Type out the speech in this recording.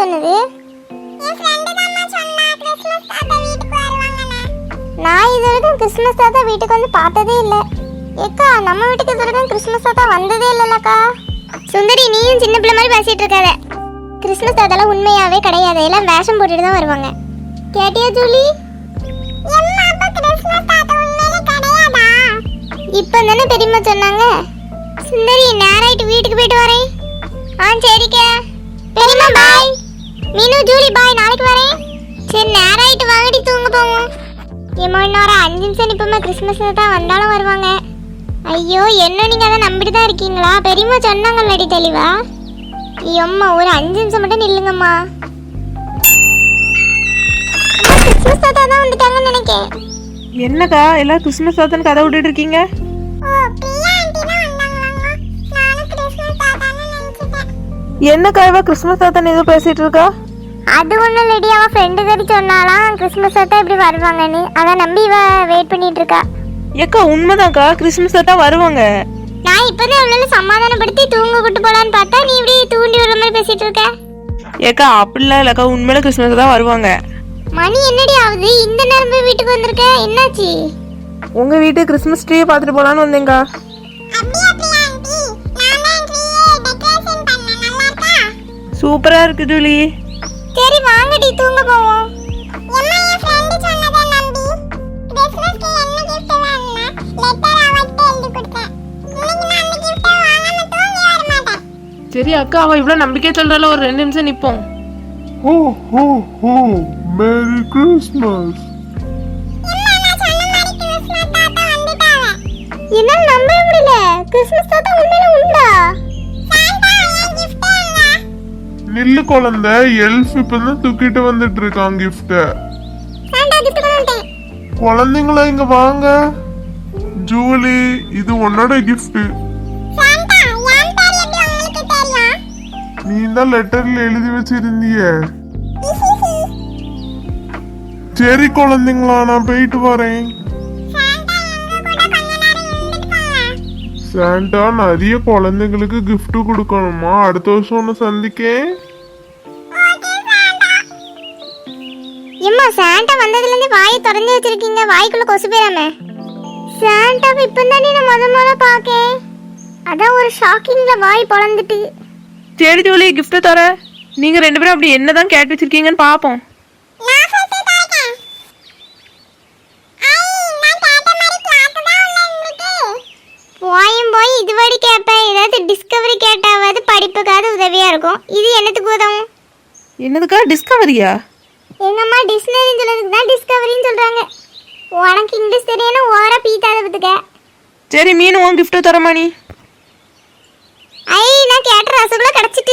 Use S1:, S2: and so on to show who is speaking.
S1: சொன்னது? நான் இது வரைக்கும் கிறிஸ்மஸ் தாத்தா வீட்டுக்கு வந்து பார்த்ததே இல்லை. ஏக்கா நம்ம வீட்டுக்கு இது வரைக்கும் கிறிஸ்மஸ் தாத்தா வந்ததே இல்லைல்லக்கா. சுந்தரி நீயும் சின்ன பிள்ளை மாதிரி பேசிட்டு இருக்காத. கிறிஸ்மஸ் தாத்தாலாம் உண்மையாவே கிடையாது, எல்லாம் வேஷம் போட்டுட்டு தான் வருவாங்க. கேட்டியா ஜூலி? இப்போ தானே பெரியம்மா சொன்னாங்க. சுந்தரி நேராயிட்டு வீட்டுக்கு போயிட்டு வரேன். சரிக்கா. பெரியம்மா பாய். மீனு ஜூலி பாய், நாளைக்கு வரேன். சரி நேராயிட்டு வாங்கடி தூங்க போவோம். ஏமா இன்னொரு 5 நிமிஷம் நிப்பமா, கிறிஸ்மஸ் தான் வந்தாலும் வருவாங்க. ஐயோ என்ன நீங்க அதை நம்பிட்டு தான் இருக்கீங்களா? பெரியம்மா சொன்னாங்கல்லடி தெளிவா. ஐயம்மா ஒரு 5 நிமிஷம் மட்டும் நில்லுங்கம்மா. கிறிஸ்மஸ் தாத்தா தான் வந்துட்டாங்கன்னு நினைக்கிறேன்.
S2: என்னக்கா எல்லாம் கிறிஸ்மஸ் தாத்தான்னு கதை விட்டுட்டு இருக்கீங்க? என்னக்கா இவ கிறிஸ்மஸ் தாத்தான்னு ஏதோ பேசிட்டு இருக்கா?
S1: அது ஒன்றும் இல்லடி, அவன் ஃப்ரெண்டு கறி சொன்னாலாம் கிறிஸ்மஸ் தாத்தா இப்படி வருவாங்கன்னு. அதை நம்பி இவ வெயிட் பண்ணிட்டு இருக்கா.
S2: ஏக்கா உண்மைதான்க்கா, கிறிஸ்மஸ் தாத்தா வருவாங்க.
S1: நான் இப்போதான் அவ்வளோ சமாதானப்படுத்தி தூங்க கூட்டு போலான்னு பார்த்தா நீ இப்படி தூண்டி விடுற மாதிரி பேசிட்டு இருக்க.
S2: ஏக்கா அப்படிலாம் இல்லக்கா, உண்மையில கிறிஸ்மஸ் தான் வருவாங்க.
S1: மணி என்னடி ஆகுது? இந்த நேரம் போய் வீட்டுக்கு வந்திருக்க, என்னாச்சு?
S2: உங்க வீட்டு கிறிஸ்மஸ் ட்ரீயை பார்த்துட்டு போலான்னு வந்தேங்க்கா. சூப்பரா இருக்கு ஜூலி.
S1: சரி வாங்கடி தூங்க போவோம்.
S2: சரி அக்கா, அவ இவ்வளவு நம்பிக்கை சொல்றால, ஒரு 2 நிமிஷம் நிப்போம்.
S3: ஹோ ஹோ ஹோ மேரி கிறிஸ்மஸ்.
S1: என்னால நம்பவே முடியல, கிறிஸ்மஸ் தாத்தா உண்மையில உண்டா?
S3: நில்லு குழந்தை, எல்ஃப் இப்பதான் தூக்கிட்டு வந்துட்டு இருக்கான் கிஃப்ட். குழந்தைங்களா இங்க வாங்க. ஜூலி இது உன்னோட கிஃப்ட். நீ தான் லெட்டர்ல எழுதி வச்சிருந்திய. சரி குழந்தைங்களா நான் போயிட்டு வரேன். சாண்டா நிறைய குழந்தைங்களுக்கு gift கொடுக்கணுமா? அடுத்த வருஷம் ஒன்று சந்திக்கேன்.
S1: எம்மா சாண்டா வந்ததுல இருந்து வாயை திறந்து வச்சிருக்கீங்க, வாய்க்குள்ள கொசு போயிராம. சாண்டாவை இப்பதானே நான் முதல்ல பாக்கேன், அதான் ஒரு ஷாக்கிங்ல வாய் பொளந்துட்டு.
S2: சரி ஜூலி கிஃப்ட் தர. நீங்க 2 பேரும் அப்படி என்னதான் கேட்டு வச்சிருக்கீங்கன்னு பாப்போம்.
S1: போய் இதுவரை கேட்பேன், ஏதாவது டிஸ்கவரி கேட்டாவது படிப்புக்காவது உதவியா இருக்கும். இது என்னத்துக்கு உதவும்?
S2: என்னதுக்கா டிஸ்கவரியா?
S1: எங்க அம்மா டிக்ஷனரின்னு சொல்றதுக்கு தான் டிஸ்கவரின்னு சொல்றாங்க. உனக்கு இங்கிலீஷ் தெரியணும், ஓவரா பீத்தாத பத்துக்க.
S2: சரி மீன் உன் கிஃப்ட் தரமா நீ?
S1: ஐ நான் கேட்ட ரசகுல்லா கிடைச்சிட்டு.